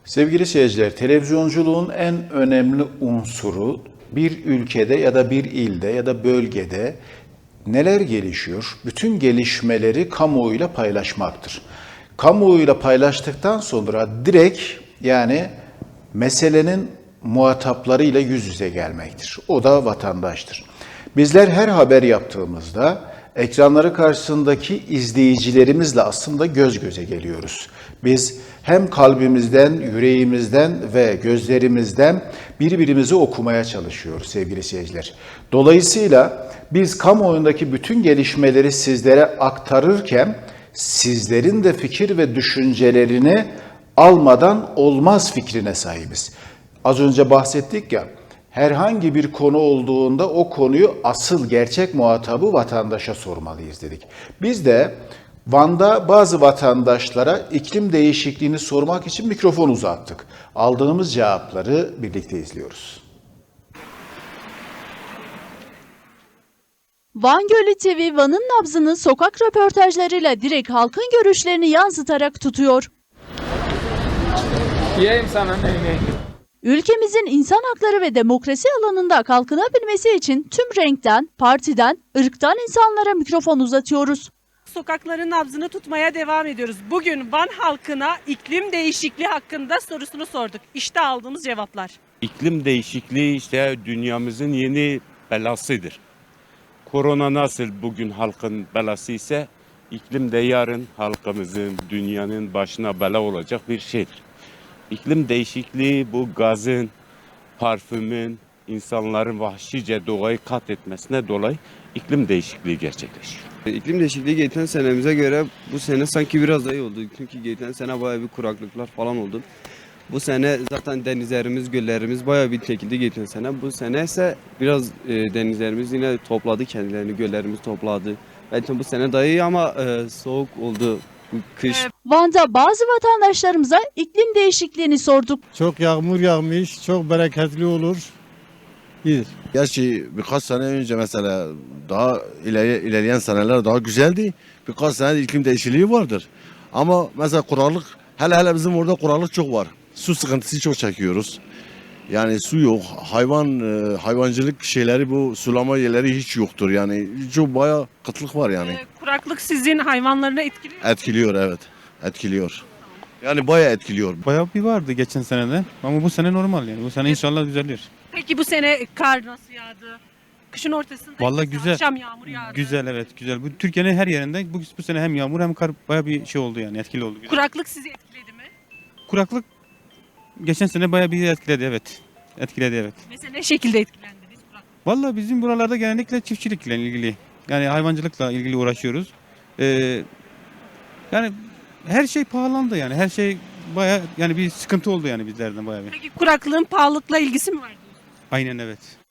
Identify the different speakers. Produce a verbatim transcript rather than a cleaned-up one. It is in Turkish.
Speaker 1: Sevgili seyirciler, televizyonculuğun en önemli unsuru bir ülkede ya da bir ilde ya da bölgede neler gelişiyor? Bütün gelişmeleri kamuoyuyla paylaşmaktır. Kamuoyuyla paylaştıktan sonra direkt yani meselenin muhataplarıyla yüz yüze gelmektir. O da vatandaştır. Bizler her haber yaptığımızda ekranları karşısındaki izleyicilerimizle aslında göz göze geliyoruz. Biz hem kalbimizden, yüreğimizden ve gözlerimizden birbirimizi okumaya çalışıyoruz sevgili seyirciler. Dolayısıyla biz kamuoyundaki bütün gelişmeleri sizlere aktarırken sizlerin de fikir ve düşüncelerini almadan olmaz fikrine sahibiz. Az önce bahsettik ya, herhangi bir konu olduğunda o konuyu asıl gerçek muhatabı vatandaşa sormalıyız dedik. Biz de Van'da bazı vatandaşlara iklim değişikliğini sormak için mikrofon uzattık. Aldığımız cevapları birlikte izliyoruz.
Speaker 2: Van Gölü T V, Van'ın nabzını sokak röportajlarıyla direkt halkın görüşlerini yansıtarak tutuyor.
Speaker 3: Yiyeyim sana neyini?
Speaker 2: Ülkemizin insan hakları ve demokrasi alanında kalkınabilmesi için tüm renkten, partiden, ırktan insanlara mikrofon uzatıyoruz.
Speaker 4: Sokakların nabzını tutmaya devam ediyoruz. Bugün Van halkına iklim değişikliği hakkında sorusunu sorduk. İşte aldığımız cevaplar.
Speaker 5: İklim değişikliği işte dünyamızın yeni belasıdır. Korona nasıl bugün halkın belası ise iklim de yarın halkımızın, dünyanın başına bela olacak bir şeydir. İklim değişikliği bu gazın, parfümün, insanların vahşice doğayı kat etmesine dolayı iklim değişikliği gerçekleşiyor.
Speaker 6: İklim değişikliği geçen senemize göre bu sene sanki biraz daha iyi oldu. Çünkü geçen sene bayağı bir kuraklıklar falan oldu. Bu sene zaten denizlerimiz, göllerimiz bayağı bir çekildi geçen sene. Bu sene ise biraz e, denizlerimiz yine topladı kendilerini, göllerimiz topladı. Belki bu sene daha iyi ama e, soğuk oldu bu kış.
Speaker 2: Van'da bazı vatandaşlarımıza iklim değişikliğini sorduk.
Speaker 7: Çok yağmur yağmış, çok bereketli olur. İyidir.
Speaker 8: Gerçi birkaç sene önce mesela daha ileri, ilerleyen seneler daha güzeldi. Birkaç sene iklim değişikliği vardır. Ama mesela kuraklık, hele hele bizim orada kuraklık çok var. Su sıkıntısı çok çekiyoruz. Yani su yok. Hayvan e, hayvancılık şeyleri, bu sulama yerleri hiç yoktur. Yani çok bayağı kıtlık var yani.
Speaker 4: Ee, kuraklık sizin hayvanlarını etkiliyor mu?
Speaker 8: Etkiliyor, evet. Etkiliyor. Yani bayağı etkiliyor.
Speaker 7: Bayağı bir vardı geçen senede ama bu sene normal yani. Bu sene inşallah düzelir.
Speaker 4: Peki bu sene kar nasıl yağdı? Kışın ortasında
Speaker 7: Vallahi
Speaker 4: mesela
Speaker 7: güzel.
Speaker 4: akşam yağmur yağdı.
Speaker 7: Güzel, evet, güzel. Bu Türkiye'nin her yerinde bu, bu sene hem yağmur hem kar bayağı bir şey oldu yani, etkili oldu. Güzel.
Speaker 4: Kuraklık sizi etkiledi mi?
Speaker 7: Kuraklık geçen sene bayağı bir etkiledi, evet. Etkiledi, evet.
Speaker 4: Mesela ne şekilde etkilendiniz kuraklık?
Speaker 7: Vallahi bizim buralarda genellikle çiftçilikle ilgili, yani hayvancılıkla ilgili uğraşıyoruz. Ee, yani her şey pahalandı yani. Her şey bayağı yani bir sıkıntı oldu yani bizlerden bayağı bir.
Speaker 4: Peki kuraklığın pahalılıkla ilgisi mi var?
Speaker 7: Aynen, evet.